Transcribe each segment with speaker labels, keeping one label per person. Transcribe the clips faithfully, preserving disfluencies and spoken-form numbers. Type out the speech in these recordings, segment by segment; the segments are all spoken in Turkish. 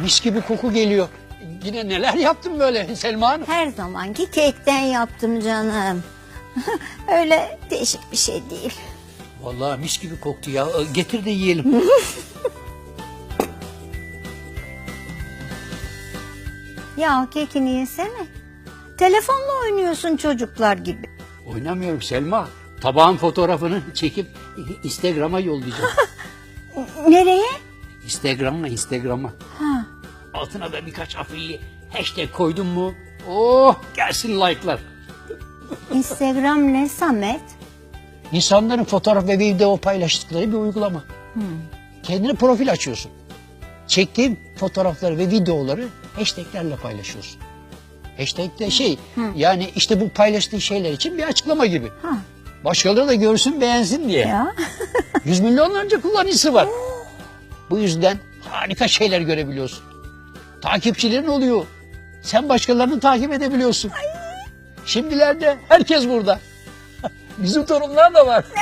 Speaker 1: mis gibi koku geliyor. Yine neler yaptın böyle Selma Hanım?
Speaker 2: Her zamanki kekten yaptım canım. Öyle değişik bir şey değil.
Speaker 1: Vallahi mis gibi koktu ya. Getir de yiyelim.
Speaker 2: Ya kekini yesene. Telefonla oynuyorsun çocuklar gibi.
Speaker 1: Oynamıyorum Selma. Tabağın fotoğrafını çekip Instagram'a yollayacağım.
Speaker 2: Nereye?
Speaker 1: Instagram'a, Instagram'a.
Speaker 2: Ha.
Speaker 1: Altına da birkaç afilli hashtag koydum mu? Oh, gelsin like'lar.
Speaker 2: Instagram ne Samet?
Speaker 1: İnsanların fotoğraf ve video paylaştıkları bir uygulama.
Speaker 2: Hmm.
Speaker 1: Kendine profil açıyorsun. Çektiğin fotoğrafları ve videoları hashtaglerle paylaşıyorsun. Hashtag de şey, yani işte bu paylaştığın şeyler için bir açıklama gibi.
Speaker 2: Ha.
Speaker 1: Başkaları da görsün, beğensin diye.
Speaker 2: Ya.
Speaker 1: Yüz milyonlarca kullanıcısı var. Bu yüzden harika şeyler görebiliyorsun. Takipçilerin oluyor. Sen başkalarını takip edebiliyorsun. Ay. Şimdilerde herkes burada. Bizim torunlar da var.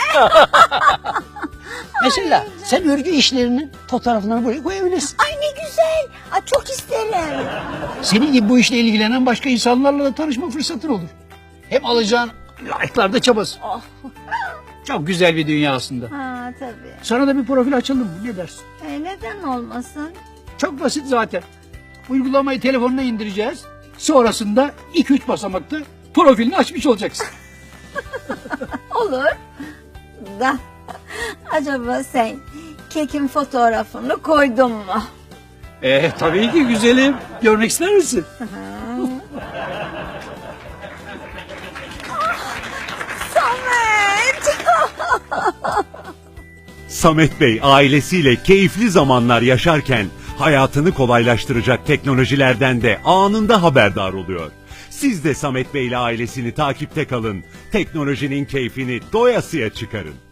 Speaker 1: Mesela sen örgü işlerinin fotoğraflarını buraya koyabilirsin.
Speaker 2: Ay ne güzel. Ay, çok isterim.
Speaker 1: Senin gibi bu işle ilgilenen başka insanlarla da tanışma fırsatın olur. Hem alacağın like'lar da çabası.
Speaker 2: Oh.
Speaker 1: Çok güzel bir dünya aslında.
Speaker 2: Ha tabii.
Speaker 1: Sana da bir profil açalım mı? Ne dersin?
Speaker 2: E, neden olmasın?
Speaker 1: Çok basit zaten. Uygulamayı telefonuna indireceğiz. Sonrasında iki üç basamakta profilini açmış olacaksın.
Speaker 2: Olur. Da acaba sen kekin fotoğrafını koydun mu?
Speaker 1: Ee, tabii ki güzelim. Görmek ister misin?
Speaker 2: Samet!
Speaker 3: Samet Bey ailesiyle keyifli zamanlar yaşarken hayatını kolaylaştıracak teknolojilerden de anında haberdar oluyor. Siz de Samet Bey ile ailesini takipte kalın. Teknolojinin keyfini doyasıya çıkarın.